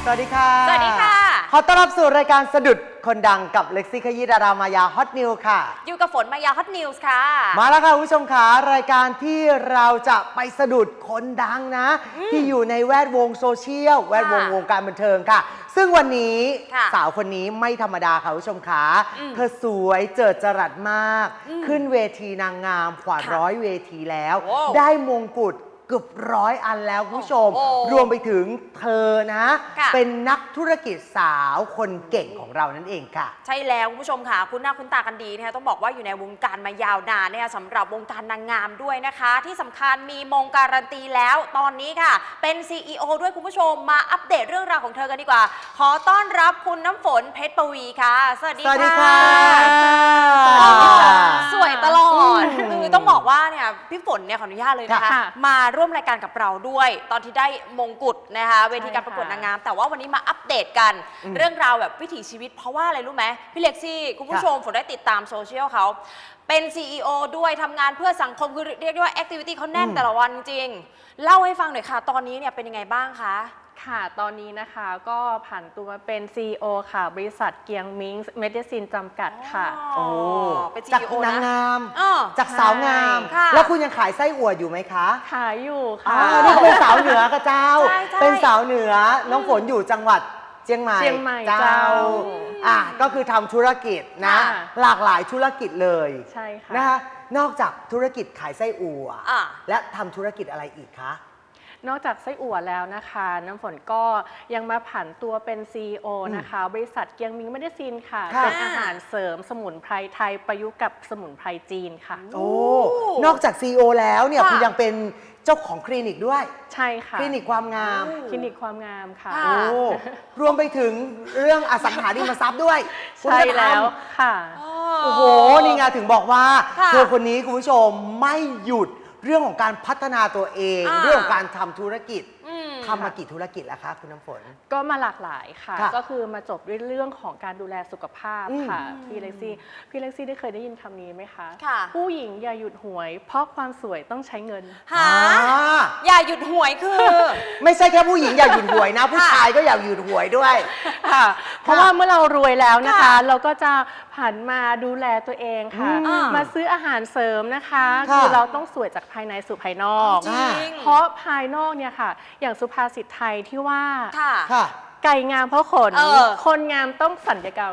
วัสดีค่ะสวัสดีค่ะขอต้อนรับสู่รายการสะดุดคนดังกับเล็กซี่ขยี้ดารามายาฮอตนิวค่ะอยู่กับฝนมายาฮอตนิวส์ค่ะมาแล้วค่ะคุณผู้ชมค่ะรายการที่เราจะไปสะดุดคนดังนะ ที่อยู่ในแวดวงโซเชียลแวดวงวงการบันเทิงค่ะ ซึ่งวันนี้สาวคนนี้ไม่ธรรมดาค่ะคุณผู้ชมค่ะเธอสวยเจิดจรัสมาก ขึ้นเวทีนางงามกว่า100 เวทีแล้ว ได้มงกุฎเกือบ100 อันแล้วคุณผู้ชม รวมไปถึงเธอนะเป็นนักธุรกิจสาวคนเก่งของเรานั่นเองค่ะใช่แล้วคุณผู้ชมค่ะคุณหน้าคุณตากันดีนะคะต้องบอกว่าอยู่ในวงการมายาวนานนะคะสำหรับวงการนางงามด้วยนะคะ ที่สำคัญมีมงการันตีแล้วตอนนี้ค่ะเป็น CEO ด้วยคุณผู้ชมมาอัปเดตเรื่องราวของเธอกันดีกว่าขอต้อนรับคุณน้ำฝนเพชรปวีค่ะสวัสดีค่ะสวยตลอดคือต้องบอกว่าเนี่ยพี่ฝนเนี่ยขออนุญาตเลยนะคะมาร่วมรายการกับเราด้วยตอนที่ได้มงกุฎนะคะเวทีการประกวดนางงามแต่ว่าวันนี้มาอัปเดตกันเรื่องราวแบบวิถีชีวิตเพราะว่าอะไรรู้ไหมพี่เล็กซี่คุณผู้ชมฝนได้ติดตามโซเชียลเขาเป็น CEO ด้วยทำงานเพื่อสังคมคือเรียกได้ว่าแอคทิวิตี้เขาแน่นแต่ละวันจริงเล่าให้ฟังหน่อยค่ะตอนนี้เนี่ยเป็นยังไงบ้างคะค่ะตอนนี้นะคะก็ผ่านตัวมาเป็น CEO ค่ะบริษัทเกียงมิงเมดิซินจำกัดค่ะโอ้เป็นจาก CEO นางงามนะจากสาวงาม แล้วคุณยังขายไส้อั่วอยู่ไหมคะขายอยู่ค่ะนี่เป็นสาวเหนือกระเจ้าใช่เป็นสาวเหนือน้องฝนอยู่จังหวัดเชียงใหม่เจ้าก็คือทำธุรกิจนะหลากหลายธุรกิจเลยใช่ค่ะนะคะนอกจากธุรกิจขายไส้อั่วและทำธุรกิจอะไรอีกคะนอกจากไส้อั่วแล้วนะคะน้ำฝนก็ยังมาผันตัวเป็น CEO นะคะบริษัทเกียงมิงเมดิซินค่ะเป็นอาหารเสริมสมุนไพรไทยประยุกต์กับสมุนไพรจีนค่ะโอ้นอกจาก CEO แล้วเนี่ยคุณยังเป็นเจ้าของคลินิกด้วยใช่ค่ะคลินิกความงามคลินิกความงามค่ะโอ้รวมไปถึงเรื่องอสังหาริมทรัพย์ด้วยใช่แล้วค่ะโอ้โหนี่ไงถึงบอกว่าเธอคนนี้คุณผู้ชมไม่หยุดเรื่องของการพัฒนาตัวเองเรื่องของการทำธุรกิจทำมากี่ธุรกิจแล้วคะคุณน้ำฝนก็มาหลากหลายค่ะก็คือมาจบด้วยเรื่องของการดูแลสุขภาพค่ะพี่เล็กซี่ได้เคยได้ยินคำนี้ไหมคะผู้หญิงอย่าหยุดหวยเพราะความสวยต้องใช้เงินอย่าหยุดหวยคือไม่ใช่แค่ผู้หญิงอย่าหยุดหวยนะผู้ชายก็อย่าหยุดหวยด้วยค่ะเพราะว่าเมื่อเรารวยแล้วนะคะเราก็จะผันมาดูแลตัวเองค่ะมาซื้ออาหารเสริมนะคะคือเราต้องสวยจากภายในสู่ภายนอกเพราะภายนอกเนี่ยค่ะอย่างสุภาษิตไทยที่ว่าไก่งามเพราะขนคนงามต้องสัญญกรรม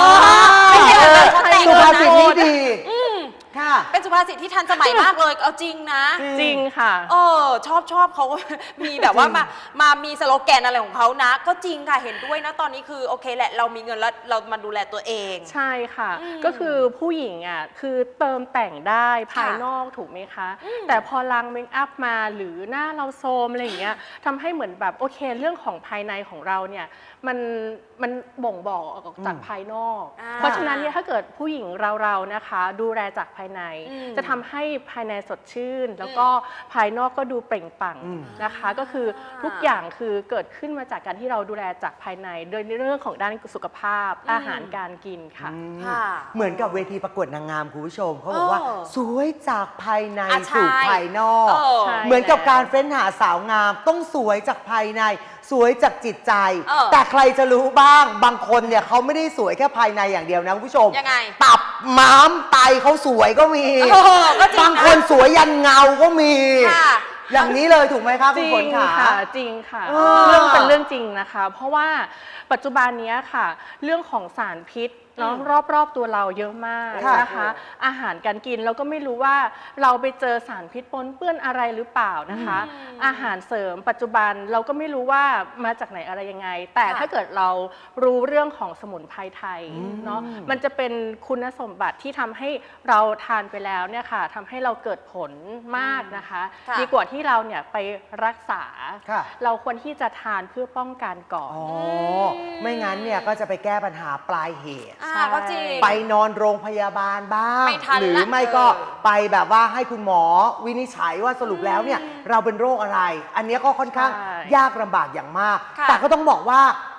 สุภาษิตนี้ดีเป็นสุภาษิตที่ทันสมัยมากเลยเอาจริงนะจริงค่ะชอบเขามีแบบว่ามามีสโลแกนอะไรของเขานะก็จริงค่ะเห็นด้วยนะตอนนี้คือโอเคแหละเรามีเงินแล้วเรามาดูแลตัวเองใช่ค่ะก็คือผู้หญิงอ่ะคือเติมแต่งได้ภายนอกถูกไหมคะแต่พอล้างเมคอัพมาหรือหน้าเราโทรมอะไรอย่างเงี้ยทำให้เหมือนแบบโอเคเรื่องของภายในของเราเนี่ยมันบ่งบอกออกจากภายนอกเพราะฉะนั้นเนี่ยถ้าเกิดผู้หญิงเรานะคะดูแลจากภายในจะทำให้ภายในสดชื่นแล้วก็ภายนอกก็ดูเปล่งปลั่งนะคะก็คือทุกอย่างคือเกิดขึ้นมาจากการที่เราดูแลจากภายในโดยในเรื่องของด้านสุขภาพอาหารการกินค่ะเหมือนกับเวทีประกวดนางงามคุณผู้ชมเขาบอกว่าสวยจากภายในสู่ภายนอกเหมือนกับการเฟ้นหาสาวงามต้องสวยจากภายในสวยจากจิตใจแต่ใครจะรู้บ้างบางคนเนี่ยเขาไม่ได้สวยแค่ภายในอย่างเดียวนะคุณผู้ชมตับม้ามไตเขาสวยก็มีบางคนสวยยันเงาก็มีอย่างนี้เลยถูกไหมคะคุณฝนค่ะจริงค่ะเรื่องเป็นเรื่องจริงนะคะเพราะว่าปัจจุบันนี้ค่ะเรื่องของสารพิษเนาะรอบตัวเราเยอะมากนะคะอาหารการกินเราก็ไม่รู้ว่าเราไปเจอสารพิษปนเปื้อนอะไรหรือเปล่านะคะอาหารเสริมปัจจุบันเราก็ไม่รู้ว่ามาจากไหนอะไรยังไงแต่ถ้าเกิดเรารู้เรื่องของสมุนไพรไทยเนาะมันจะเป็นคุณสมบัติที่ทำให้เราทานไปแล้วเนี่ยค่ะทำให้เราเกิดผลมากนะคะดีกว่าที่เราเนี่ยไปรักษาเราควรที่จะทานเพื่อป้องกันก่อนไม่งั้นเนี่ยก็จะไปแก้ปัญหาปลายเหตุก็จริงไปนอนโรงพยาบาลบ้างหรือไม่ก็ไปแบบว่าให้คุณหมอวินิจฉัยว่าสรุปแล้วเนี่ยเราเป็นโรคอะไรอันนี้ก็ค่อนข้างยากลำบากอย่างมากแต่ก็ต้องบอกว่า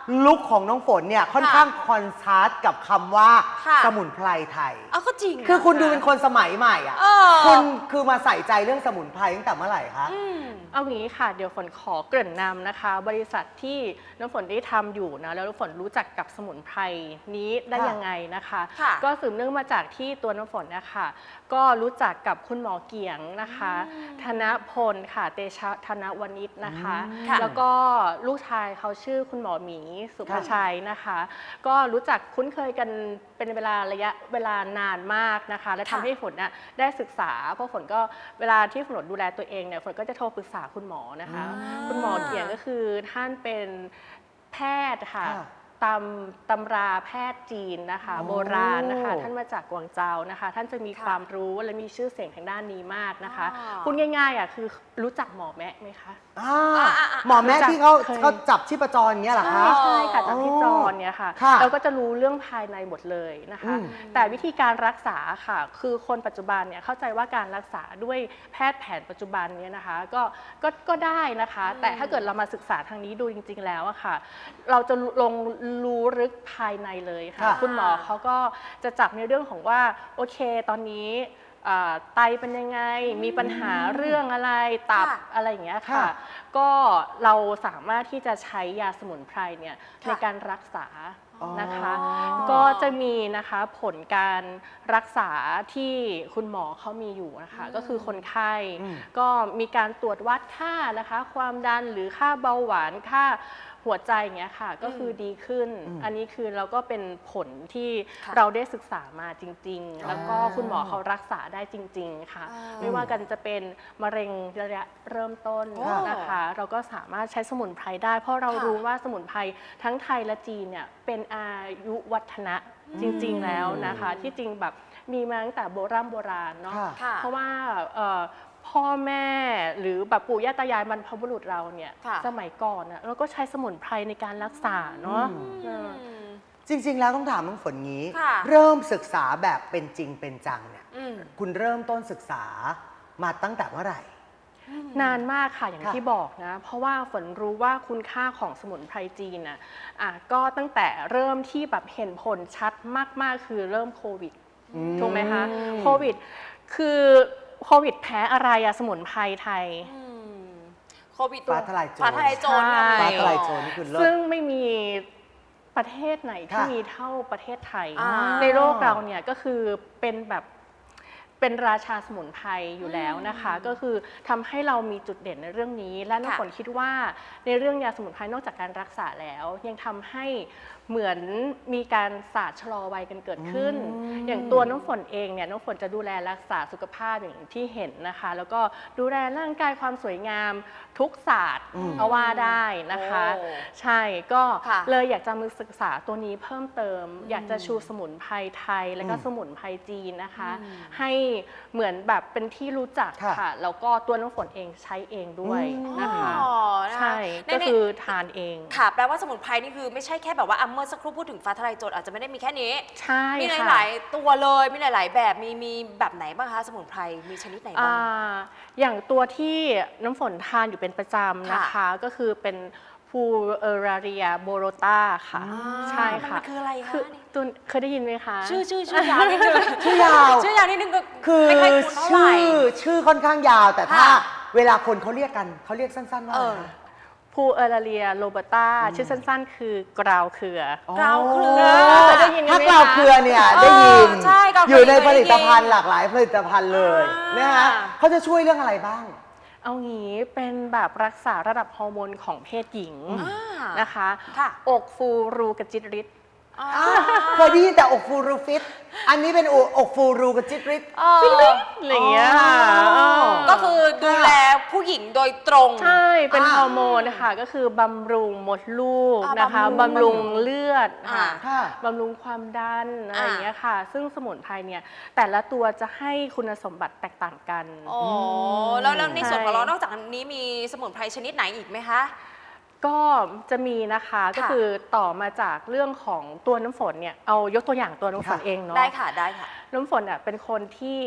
ลุคของน้องฝนเนี่ยค่อนข้างคอนทราสต์กับคำว่าค่ะสมุนไพรไทยก็จริงนะคือคุณดูเป็นคนสมัยใหม่อ่ะเออคุณคือมาใส่ใจเรื่องสมุนไพรตั้งแต่เมื่อไหร่คะเอางี้ค่ะเดี๋ยวฝนขอเกริ่นนำนะคะ บริษัทที่น้ำฝนได้ทำอยู่นะแล้วน้ำฝนรู้จักกับสมุนไพรนี้ได้ยังไงนะคะค่ะก็สืบเนื่องมาจากที่ตัวน้ำฝนนะคะก็รู้จักกับคุณหมอเกียงนะคะธนพลค่ะเตชะธนวณิชนะคะค่ะแล้วก็ลูกชายเขาชื่อคุณหมอหมีสุภชัยนะคะ ก็รู้จักคุ้นเคยกันเป็นระยะเวลานานมากนะคะ และทำให้ฝนน่ะได้ศึกษาเพราะฝนก็เวลาที่ฝนดูแลตัวเองเนี่ยฝนก็จะโทรปรึกษาคุณหมอนะคะ คุณหมอเกียงก็คือท่านเป็นแพทย์ค่ะค่ะตำราแพทย์จีนนะคะโอ้โบราณนะคะ ท่านมาจากกวางเจานะคะ ท่านจะมีค่ะความรู้และมีชื่อเสียงทางด้านนี้มากนะคะอ๋อพูดง่ายๆอ่ะคือรู้จักหมอแมะไหมคะหมอแม่รู้จักที่เขาเคยเขาจับชีพจรอย่างเงี้ยเหรอคะใช่ค่ะจากที่จรเนี่ยค่ะค่ะเราก็จะรู้เรื่องภายในหมดเลยนะคะอืมแต่วิธีการรักษาค่ะ คือคนปัจจุบันเนี่ยเข้าใจว่าการรักษาด้วยแพทย์แผนปัจจุบันเนี่ยนะคะก็ได้นะคะ แต่ถ้าเกิดเรามาศึกษาทางนี้ดูจริงๆแล้วอะค่ะ เราจะลงรู้ลึกภายในเลยค่ะค่ะคุณหมอเขาก็จะจับในเรื่องของว่าโอเคตอนนี้ไตเป็นยังไงมีปัญหาเรื่องอะไรตับค่ะอะไรอย่างเงี้ยค่ะค่ะ ก็เราสามารถที่จะใช้ยาสมุนไพรเนี่ยค่ะในการรักษานะคะอ๋อก็จะมีนะคะผลการรักษาที่คุณหมอเขามีอยู่นะคะก็คือคนไข้ ก็มีการตรวจวัดค่านะคะความดันหรือค่าเบาหวานค่าหัวใจอย่างเงี้ยค่ะก็คือดีขึ้น อันนี้คือเราก็เป็นผลที่ค่ะเราได้ศึกษามาจริง ๆ แล้วก็คุณหมอเขารักษาได้จริง ๆ ค่ะ ไม่ว่ากันจะเป็นมะเร็งระยะเริ่มต้นค่ะนะคะ เราก็สามารถใช้สมุนไพรได้ เพราะเราค่ะรู้ว่าสมุนไพรทั้งไทยและจีนเนี่ยเป็นอายุวัฒนะจริง ๆ แล้วนะคะ ที่จริงแบบมีมาตั้งแต่โบราณเนาะค่ะค่ะเพราะว่าพ่อแม่หรือแบบปู่ย่าตายายบรรพบุรุษเราเนี่ยค่ะสมัยก่อนเราก็ใช้สมุนไพรในการรักษาเนาะจริง ๆ แล้วต้องถามน้องฝนงี้ค่ะเริ่มศึกษาแบบเป็นจริงเป็นจังเนี่ยอืมคุณเริ่มต้นศึกษามาตั้งแต่เมื่อไหร่นานมากค่ะอย่างค่ะที่บอกนะ เพราะว่าฝนรู้ว่าคุณค่าของสมุนไพรจีนก็ตั้งแต่เริ่มที่แบบเห็นผลชัดมากๆ คือเริ่มโควิดถูกไหมคะโควิดคือโควิดแพ้อะไรสมุนไพรไทยโควิดฟ้าทลายโจรฟ้าทลายโจรใช่ฟ้าทลายโจรนี่คือเลิซึ่ศงไม่มีประเทศไหนที่ค่ะมีเท่าประเทศไทยอ่าในโลกเราเนี่ยก็คือเป็นแบบเป็นราชาสมุนไพรอยู่แล้วนะคะ ก็คือทำให้เรามีจุดเด่นในเรื่องนี้ และน้ำฝนคิดว่าในเรื่องยาสมุนไพรนอกจากการรักษาแล้ว ยังทำให้เหมือนมีการศาสตร์ชะลอวัยกันเกิดขึ้น อย่างตัวน้ำฝนเองเนี่ยน้ำฝนจะดูแลรักษาสุขภาพอย่างที่เห็นนะคะ แล้วก็ดูแลร่างกายความสวยงามทุกศาสตร์เอาว่าได้นะคะโอ้ใช่ก็ค่ะเลยอยากจะมาศึกษาตัวนี้เพิ่มเติม อยากจะชูสมุนไพรไทย และก็สมุนไพรจีนนะคะ ให้เหมือนแบบเป็นที่รู้จักค่ะค่ะ แล้วก็ตัวน้ำฝนเองใช้เองด้วยนะคะอ๋อนะคะใช่ในก็ในคือทานเองค่ะแปลว่าสมุนไพรนี่คือไม่ใช่แค่แบบว่าเมื่อสักครู่พูดถึงฟ้าทลายโจรอาจจะไม่ได้มีแค่นี้ใช่มีค่ะหลายๆตัวเลยมีหลาย ๆ แบบมีแบบไหนบ้างคะสมุนไพรมีชนิดไหนบ้างอย่างตัวที่น้ำฝนทานอยู่เป็นประจำนะคะ ก็คือเป็นพูเอราเรียโบโรตาค่ะ ใช่ค่ะมันคืออะไรคะนี่ตัวเคยได้ยินไหมคะชื่อยาวนิดนึงชื่อยาวชื่อยาวนิดนึงก็คือไม่ค่อยคุ้นเท่าไหร่ชื่อค่อนข้างยาว แต่ถ้าค่ะเวลาคนเขาเรียกกันเขาเรียกสั้นๆว่าอะไรคะพูเอราเรียโรเบตาชื่อสั้นๆ คือกราวเครือกราวเครือเคยได้ยินกันไหมคะถ้ากราวเครือเนี่ยได้ยินใช่กราวเครืออยู่ในผเคยได้ยินลิตภัณฑ์หลากหลายผลิตภัณฑ์เลยอ่านนะฮะเขาจะช่วยเรื่องอะไรบ้างเอางี้เป็นแบบรักษาระดับฮอร์โมนของเพศหญิงอ่านะคะค่ะอกฟูรูกระจิตริดเคยได้ยินแต่อกฟูรูฟิต อันนี้เป็นอกฟูรูกับจิตริตอะไรอย่างเงี้ยค่ะอ๋อก็คือดูแลผู้หญิงโดยตรงใช่เป็นอ่าฮอร์โมนนะคะก็คือบำรุงมดลูกอ่านะคะบำบำรุรุงงเลือดอ่าค่ะบำรุงความดันอะไรอย่างเงี้ยค่ะ ซึ่งสมุนไพรเนี่ยแต่ละตัวจะให้คุณสมบัติแตกต่างกันอ๋อแล้วในส่วนของเราใช่นอกจากนี้มีสมุนไพรชนิดไหนอีกไหมคะก็จะมีนะคะก็คือต่อมาจากเรื่องของตัวน้ำฝนเนี่ยเอายกตัวอย่างตัวน้ำฝนค่ะเองเนาะได้ค่ะได้ค่ะน้ำฝนเป็นคนที่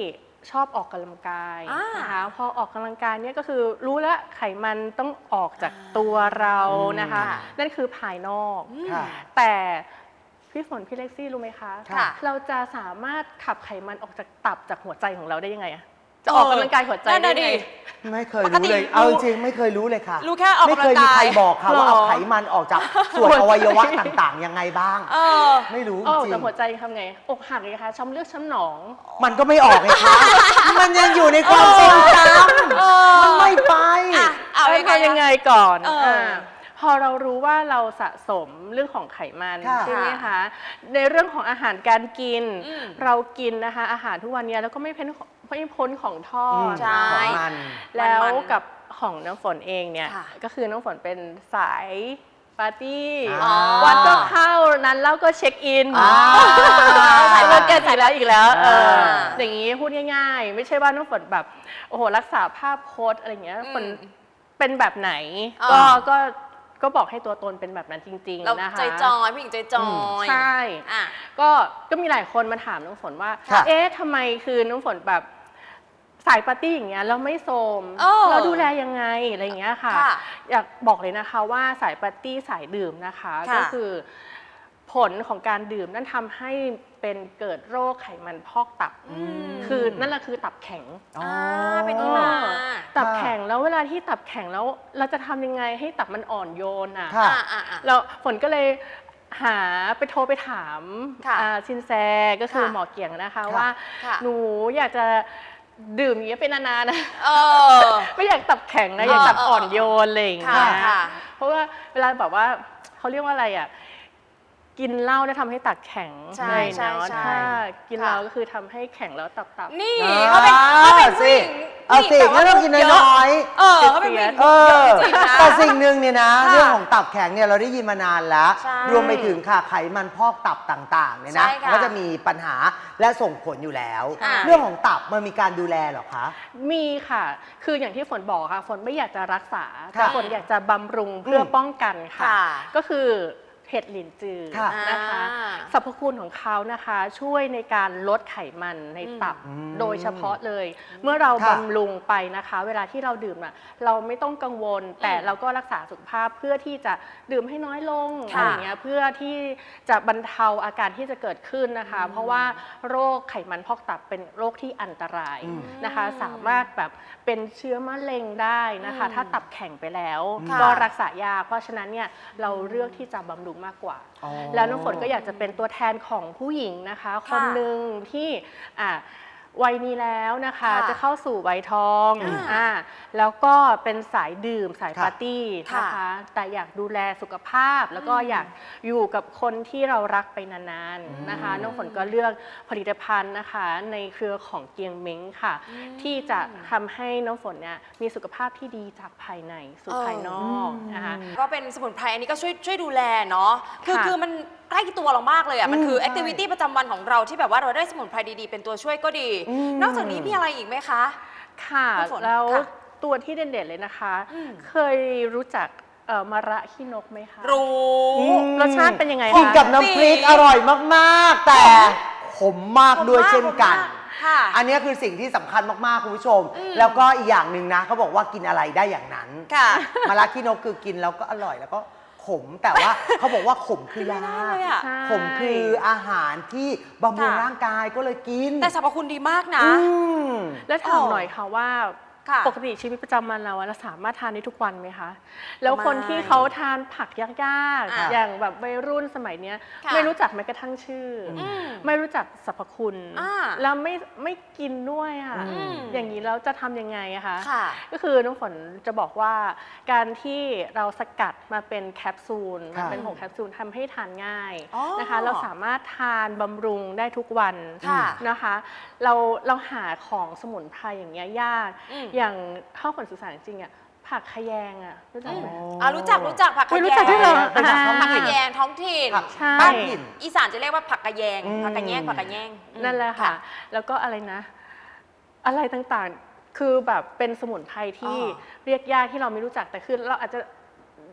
ชอบออกกำลังกายนะคะพอออกกำลังกายเนี่ยก็คือรู้แล้วไขมันต้องออกจากตัวเรานะคะนั่นคือภายนอกแต่พี่ฝนพี่เล็กซี่รู้ไหมคะเราจะสามารถขับไขมันออกจากตับจากหัวใจของเราได้ยังไงอะจะออกกำลังกายหัวใจได้ไงไม่เคยรู้เลยเอาจริงไม่เคยรู้เลยค่ะรู้แค่ออกกำลังกายไม่เคยมีใครบอกค่ะว่าเอาไขมันออกจากส่วนอวัยวะต่างๆยังไงบ้างไม่รู้จริงจากหัวใจทำไงอกหักไงคะช้ำเลือดช้ำหนองมันก็ไม่ออกไงคะมันยังอยู่ในความทรงจำมันไม่ไปเอายังไงก่อนพอเรารู้ว่าเราสะสมเรื่องของไขมันใช่ไหมคะในเรื่องของอาหารการกินเรากินนะคะอาหารทุกวันนี้แล้วก็ไม่พ้นของทอดแล้วกับของน้ำฝนเองเนี่ยก็คือน้ำฝนเป็นสายปาร์ตี้วันก็เข้านั้นแล้วก็เช็คอินสายวันเกิดอีกแล้วอย่างนี้พูดง่ายๆไม่ใช่ว่าน้ำฝนแบบโอ้โหรักษาภาพโพสอะไรเงี้ยฝนเป็นแบบไหนก็บอกให้ตัวตนเป็นแบบนั้นจริงๆนะคะใจจอยพี่หญิงใจจอยใช่ก็มีหลายคนมาถามน้องฝนว่าเอ๊ะทำไมคือน้องฝนแบบสายปาร์ตี้อย่างเงี้ยแล้วไม่โทรมเราดูแลยังไงอะไรอย่างเงี้ยค่ะอยากบอกเลยนะคะว่าสายปาร์ตี้สายดื่มนะคะก็คือผลของการดื่มนั่นทำให้เป็นเกิดโรคไขมันพอกตับคือนั่นแหละคือตับแข็งเป็นที่มาตับแข็งแล้วเวลาที่ตับแข็งแล้วเราจะทำยังไงให้ตับมันอ่อนโยนอ่ะแล้วฝนก็เลยโทรไปถามซินแซก็คือหมอเกียงนะคะว่าหนูอยากจะดื่มอย่างนี้เป็นนานๆนะไม่อยากตับแข็งนะอยากตับอ่อนโยนอะไรอย่างเงี้ยเพราะว่าเวลาแบบว่าเขาเรียกว่าอะไรอ่ะกินเหล้าได้ทำให้ตับแข็งใช่ถ้ากินเหล้าก็คือทำให้แข็งแล้วตับนี่เขาเป็นผู้หญิงเอาสิงั้นเรากินน้อยเขาเป็นผู้หญิงแต่สิ่งหนึ่งเนี่ยนะเรื่องของตับแข็งเนี่ยเราได้ยินมานานแล้วรวมไปถึงค่ะไขมันพอกตับต่างๆเนี่ยนะก็จะมีปัญหาและส่งผลอยู่แล้วเรื่องของตับมันมีการดูแลหรอคะมีค่ะคืออย่างที่ฝนบอกค่ะฝนไม่อยากจะรักษาแต่ฝนอยากจะบำรุงเพื่อป้องกันค่ะก็คือเห็ดหลินจือนะคะสรรพคุณของเขานะคะช่วยในการลดไขมันในตับโดยเฉพาะเลยเมื่อเราบำรุงไปนะคะเวลาที่เราดื่มเราไม่ต้องกังวลแต่เราก็รักษาสุขภาพเพื่อที่จะดื่มให้น้อยลงอะไรอย่างเงี้ยเพื่อที่จะบรรเทาอาการที่จะเกิดขึ้นนะคะเพราะว่าโรคไขมันพอกตับเป็นโรคที่อันตรายนะคะสามารถแบบเป็นเชื้อมะเร็งได้นะคะถ้าตับแข็งไปแล้วก็รักษายากเพราะฉะนั้นเนี่ยเราเลือกที่จะบำรุงมากกว่าแล้วน้ำฝนก็อยากจะเป็นตัวแทนของผู้หญิงนะคะคนหนึ่งที่วัยนี้แล้วนะคะจะเข้าสู่วัยทองแล้วก็เป็นสายดื่มสายปาร์ตี้นะคะแต่อยากดูแลสุขภาพแล้วก็อยากอยู่กับคนที่เรารักไปนานๆนะคะน้องฝนก็เลือกผลิตภัณฑ์นะคะในเครือของเกียงเม้งค่ะที่จะทำให้น้องฝนเนี่ยมีสุขภาพที่ดีจากภายในสู่ภายนอกนะคะก็เป็นสมุนไพรอันนี้ก็ช่วยดูแลเนาะคือมันใกล้ตัวเรามากเลยอ่ะมันคือแอคทิวิตี้ประจำวันของเราที่แบบว่าเราได้สมุนไพรดีๆเป็นตัวช่วยก็ดีนอกจากนี้มีอะไรอีกไหมคะค่ะแล้วตัวที่เด่นๆเลยนะคะเคยรู้จักมะระขี้นกไหมคะรู้รสชาติเป็นยังไงคะกินกับน้ำพริกอร่อยมากๆแต่ขมมากด้วยเช่นกันอันนี้คือสิ่งที่สำคัญมากๆคุณผู้ชมแล้วก็อีกอย่างหนึ่งนะเขาบอกว่ากินอะไรได้อย่างนั้นมะระขี้นกคือกินแล้วก็อร่อยแล้วก็ขมแต่ว่าเขาบอกว่าขมคือยาขมคืออาหารที่บำรุงร่างกายก็เลยกินแต่สรรพคุณดีมากนะและถามหน่อยค่ะว่าปกติชีวิตประจำวันเราสามารถทานได้ทุกวันไหมคะแล้วคนที่เขาทานผักยากๆอย่างแบบวัยรุ่นสมัยนี้ไม่รู้จักแม้กระทั่งชื่อไม่รู้จักสรรพคุณแล้วไม่กินด้วยอย่างนี้แล้วจะทำยังไงอะคะก็คือน้องฝนจะบอกว่าการที่เราสกัดมาเป็นแคปซูลมันเป็นผงแคปซูลทำให้ทานง่ายนะคะเราสามารถทานบำรุงได้ทุกวันนะคะเราหาของสมุนไพรอย่างเงี้ยยากอย่างข้าวผลสื่อสารจริงๆผักขยงรู้จักไหมรู้จักผักขยงรู้จักด้วยเหรอผักขยงท้องถิ่นบ้านอีสานจะเรียกว่าผักกระแยงผักกระแยงนั่นแหละค่ะแล้วก็อะไรนะอะไรต่างๆคือแบบเป็นสมุนไพรที่เรียกยากที่เราไม่รู้จักแต่คือเราอาจจะ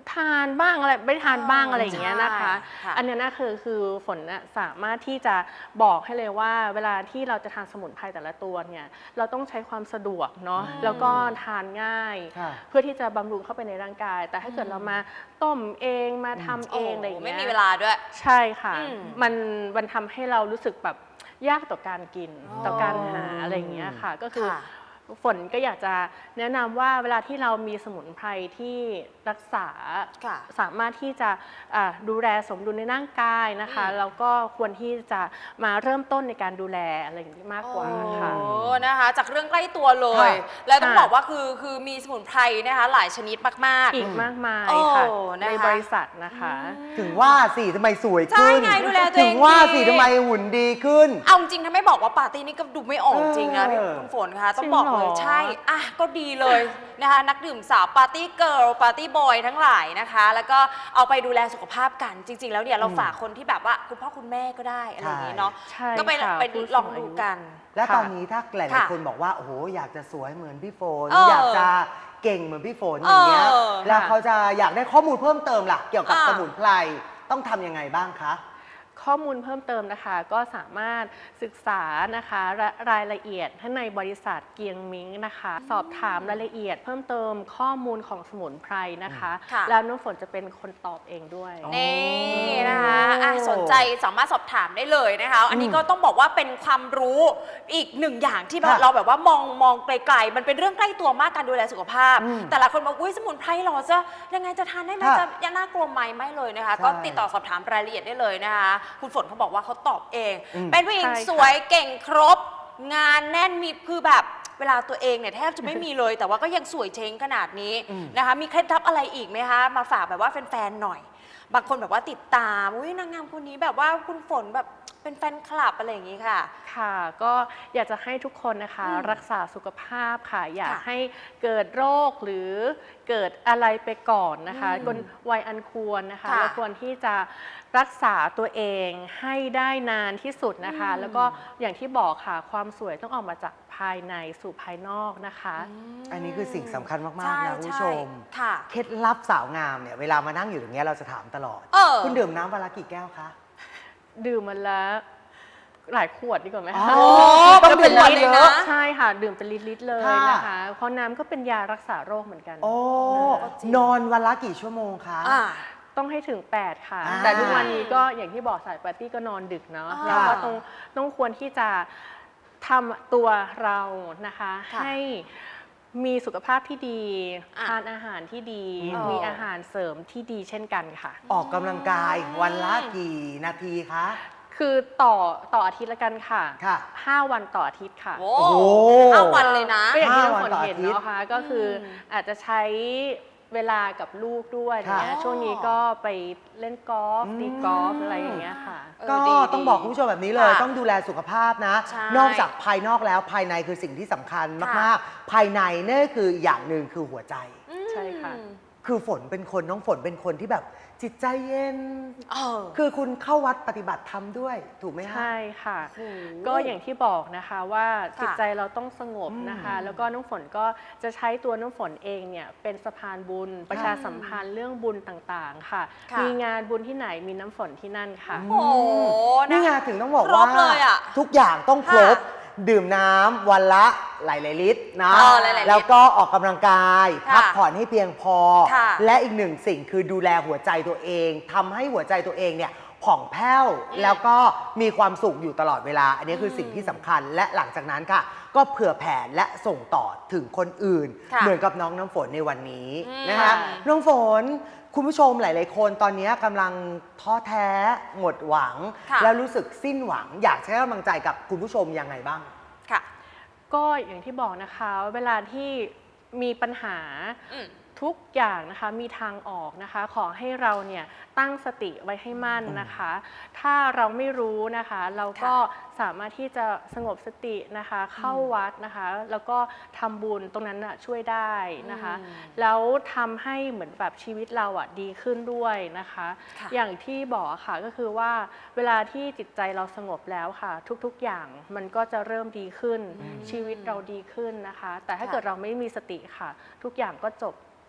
ทานบ้างอะไรไม่ทานบ้างอะไรอย่างเงี้ยนะคะใช่ค่ะอันนี้นะคือฝนน่ะสามารถที่จะบอกให้เลยว่าเวลาที่เราจะทานสมุนไพรแต่ละตัวเนี่ยเราต้องใช้ความสะดวกเนาะแล้วก็ทานง่ายค่ะเพื่อที่จะบำรุงเข้าไปในร่างกาย แต่ถ้าเกิดเรามาต้มเองมาทำเองอะไรอย่างเงี้ยไม่มีเวลาด้วยใช่ค่ะอืมมันทำให้เรารู้สึกแบบยากต่อการกินอ๋อต่อการหาอะไรอย่างเงี้ยค่ะ ก็คือค่ะฝนก็อยากจะแนะนำว่าเวลาที่เรามีสมุนไพรที่รักษาค่ะสามารถที่จะดูแลสมดุลในร่างกายนะคะแล้วก็ควรที่จะมาเริ่มต้นในการดูแลอะไรอย่างนี้มากกว่าค่ะโอ้นะคะจากเรื่องใกล้ตัวเลยค่ะแล้วต้องค่ะบอกว่าคือมีสมุนไพรนะคะหลายชนิดมากอีกมากมายโอ้ค่ะนะคะในบริษัทนะคะถึงว่าสิทำไมสวยใช่ขึ้นไงดูแลตัวเองถึงว่าสิดีทำไมหุ่นดีขึ้นเอาจริงๆถ้าไม่บอกว่าปาร์ตี้นี่ก็ดูไม่ออกจริงนะพี่เออคุณฝนคะต้องบอกเลยจริงเหรอใช่อ่ะก็ดีเลยนะคะนักดื่มสาวปาร์ตี้เกิร์ลปาร์ตี้บอยทั้งหลายนะคะ แล้วก็เอาไปดูแลสุขภาพกันจริง ๆ แล้วเนี่ยเราฝากคนที่แบบว่าคุณพ่อคุณแม่ก็ได้อะไรอย่างนี้เนาะใช่ก็ไปค่ะไปผู้สูงลองดูอายุกันและตอนนี้ถ้าหลายค่ะๆคนบอกว่าโอ้โหอยากจะสวยเหมือนพี่ฝนเอออยากจะเก่งเหมือนพี่ฝนอย่างเงี้ยเออแล้วเขาจะอยากได้ข้อมูลเพิ่มเติมล่ะเกี่ยวกับอ่าสมุนไพรต้องทำยังไงบ้างคะข้อมูลเพิ่มเติมนะคะก็สามารถศึกษานะคะรายละเอียดให้ในบริษัทเกียงมิงนะคะ สอบถามรายละเอียดเพิ่มเติมข้อมูลของสมุนไพรนะคะค่ะแล้วน้ำฝนจะเป็นคนตอบเองด้วยอ๋อนี่นะคะอ่ะสนใจสามารถสอบถามได้เลยนะคะ อันนี้ก็ต้องบอกว่าเป็นความรู้อีกหนึ่งอย่างที่แบบค่ะเราแบบว่ามองไกลๆมันเป็นเรื่องใกล้ตัวมากการดูแลสุขภาพอืมแต่ละคนบอกอุ้ยสมุนไพรเหรอจะยังไงจะทานได้ไหมค่ะจะยังน่ากลัวไหมไม่เลยนะคะใช่ก็ติดต่อสอบถามรายละเอียดได้เลยนะคะ คุณฝนเขาบอกว่าเขาตอบเองอืมเป็นผู้หญิงใช่ค่ะสวยเก่งครบ งานแน่นมีคือแบบเวลาตัวเองเนี่ยแทบจะไม่มีเลย แต่ว่าก็ยังสวยเช้งขนาดนี้อืมนะคะ มีเคล็ดลับอะไรอีกไหมคะมาฝากแบบว่าแฟนๆหน่อย บางคนแบบว่าติดตามอุ้ยนางงามคนนี้แบบว่าคุณฝนแบบเป็นแฟนคลับอะไรอย่างนี้ค่ะค่ะก็อยากจะให้ทุกคนนะคะอืมรักษาสุขภาพค่ะ อย่าค่ะให้เกิดโรคหรือเกิดอะไรไปก่อนนะคะอืมกนวัยอันควรนะคะค่ะเราควรที่จะรักษาตัวเองให้ได้นานที่สุดนะคะอืมแล้วก็อย่างที่บอกค่ะความสวยต้องออกมาจากภายในสู่ภายนอกนะคะอันนี้คือสิ่งสำคัญมากใช่ๆ นะคุณผู้ชมใค่ะเคล็ดลับสาวงามเนี่ยเวลามานั่งอยู่ตรงเนี้ยเราจะถามตลอดเออคุณดื่มน้ำวันละกี่แก้วคะดื่มมันละหลายขวดดีกว่าไหมอ๋คะอต้องดื่มเป็นน้ำเลยเยนะอะใช่ค่ะ ดื่มเป็นลิตรๆเลยค่ะนะคะ เพราะน้ำก็เป็นยารักษาโรคเหมือนกันโอ้ก็จริงนอนวันละกี่ชั่วโมงคะอ่าต้องให้ถึง 8 ค่ะอ่าแต่ทุกวันนี้ก็อย่างที่บอกสายปาร์ตี้ก็นอนดึกเนาะอ่าเราก็ต้องควรที่จะทำตัวเรานะคะค่ะให้มีสุขภาพที่ดีอ่ะทานอาหารที่ดีอ๋อมีอาหารเสริมที่ดีเช่นกันค่ะออกกำลังกายวันละกี่นาทีคะคือต่ออาทิตย์ละกันค่ะค่ะ 5 วันต่ออาทิตย์ค่ะโอ้โอ้โห 5 วันเลยนะก็อย่างที่ 5 น้ำวันฝนต่อเห็นอาทิตย์เนาะค่ะก็คือออาจจะใช้เวลากับลูกด้วยอย่างเงี้ยค่ะช่วงนี้ก็ไปเล่นกอล์ฟอืมตีกอล์ฟอะไรอย่างเงี้ยค่ะเออก็ดีต้องบอกคุณผู้ชมแบบนี้เลยค่ะต้องดูแลสุขภาพนะใช่นอกจากภายนอกแล้วภายในคือสิ่งที่สำคัญค่ะมากๆ ภายในนี่คืออย่างหนึ่งคือหัวใจใช่ค่ะคือฝนเป็นคนน้องฝนเป็นคนที่แบบจิตใจเย็นเออคือคุณเข้าวัดปฏิบัติธรรมด้วยถูกไหมคะใช่ค่ะโอ้โหก็อย่างที่บอกนะคะว่าค่ะจิตใจเราต้องสงบนะคะ แล้วก็น้องฝนก็จะใช้ตัวน้องฝนเองเนี่ยเป็นสะพานบุญ ประชาสัมพันธ์เรื่องบุญต่างๆค่ะค่ะมีงานบุญที่ไหนมีน้ำฝนที่นั่นค่ะโอ้โหนี่ไงะถึงต้องบอกครว่าบเลยอะทุกอย่างต้องครบค่ะดื่มน้ำวันละหลายๆลิตรนะหลายๆลิตรแล้วก็ออกกำลังกายค่ะพักผ่อนให้เพียงพอค่ะและอีกหนึ่งสิ่งคือดูแลหัวใจตัวเองทำให้หัวใจตัวเองเนี่ยผ่องแผ้ว แล้วก็มีความสุขอยู่ตลอดเวลา อันนี้คือสิ่งที่สำคัญและหลังจากนั้นค่ะ ก็เผื่อแผ่และส่งต่อถึงคนอื่นค่ะเหมือนกับน้องน้ำฝนในวันนี้อืมนะคะน้องฝนคุณผู้ชมหลาย ๆ คนตอนนี้กำลังท้อแท้หมดหวังค่ะแล้วรู้สึกสิ้นหวัง อยากใช้กำลังใจกับคุณผู้ชมยังไงบ้างค่ะก็อย่างที่บอกนะคะเวลาที่มีปัญหาอืมทุกอย่างนะคะมีทางออกนะคะ ขอให้เราเนี่ยตั้งสติไว้ให้มั่นนะคะ ถ้าเราไม่รู้นะคะ เราก็สามารถที่จะสงบสตินะคะ เข้าวัดนะคะ แล้วก็ทำบุญตรงนั้นนะช่วยได้นะคะ แล้วทำให้เหมือนแบบชีวิตเราอ่ะดีขึ้นด้วยนะคะค่ะอย่างที่บอกค่ะก็คือว่าเวลาที่จิตใจเราสงบแล้วค่ะ ทุกๆอย่างมันก็จะเริ่มดีขึ้น ชีวิตเราดีขึ้นนะคะ แต่ถ้าค่ะเกิดเราไม่มีสติค่ะ ทุกอย่างก็จบ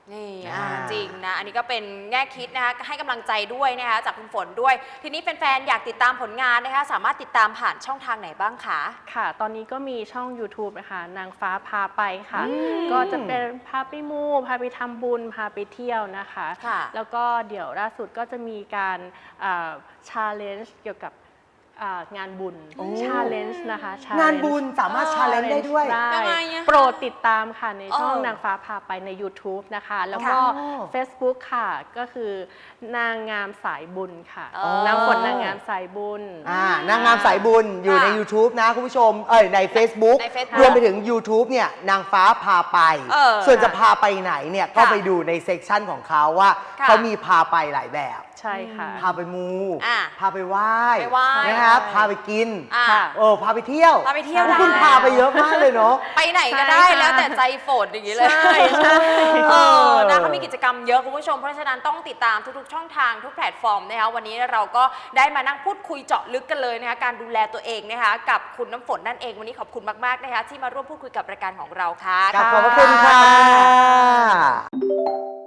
นี่อ่าจริงนะ อันนี้ก็เป็นแง่คิดนะคะให้กำลังใจด้วยนะคะจากคุณฝนด้วย ทีนี้แฟนๆอยากติดตามผลงานนะคะสามารถติดตามผ่านช่องทางไหนบ้างคะค่ะ ตอนนี้ก็มีช่อง YouTube นะคะนางฟ้าพาไปค่ะ ก็จะเป็นพาไปมูพาไปทำบุญพาไปเที่ยวนะคะค่ะแล้วก็เดี๋ยวล่าสุดก็จะมีการchallenge เกี่ยวกับงานบุญ challenge นะคะ challenge งานบุญสามารถ challenge ได้ด้วยยังไงอะโปรดติดตามค่ะในช่องเออนางฟ้าพาไปใน YouTube นะคะ แล้วก็ค่ะ Facebook ค่ะ ก็คือนางงามสายบุญค่ะอ๋อนางฝนนางงามสายบุญนางงามสายบุญอยู่ใน YouTube นะคุณผู้ชมใน Facebook ใน Facebook รวมไปถึง YouTube เนี่ยนางฟ้าพาไป ส่วนจะพาไปไหนเนี่ยก็ไปดูในเซกชันของเขาว่าค่ะเขามีพาไปหลายแบบใช่ค่ะพาไปมูอ่ะพาไปไหว้ไปไหว้นะครับพาไปกินอ่ะค่ะพาไปเที่ยวพาไปเที่ยวพวกคุณได้พาไปเยอะมากเลยเนาะไปไหนก็ได้ใช่ค่ะแล้วแต่ใจฝนอย่างนี้เลยใช่ใช่นะเขามีกิจกรรมเยอะคุณผู้ชม เพราะฉะนั้นต้องติดตามทุกๆช่องทางทุกแพลตฟอร์มนะคะวันนี้เราก็ได้มานั่งพูดคุยเจาะลึกกันเลยนะคะการดูแลตัวเองนะคะกับคุณน้ำฝนนั่นเองวันนี้ขอบคุณมากๆนะคะที่มาร่วมพูดคุยกับรายการของเราค่ะขอบพระคุณค่ะ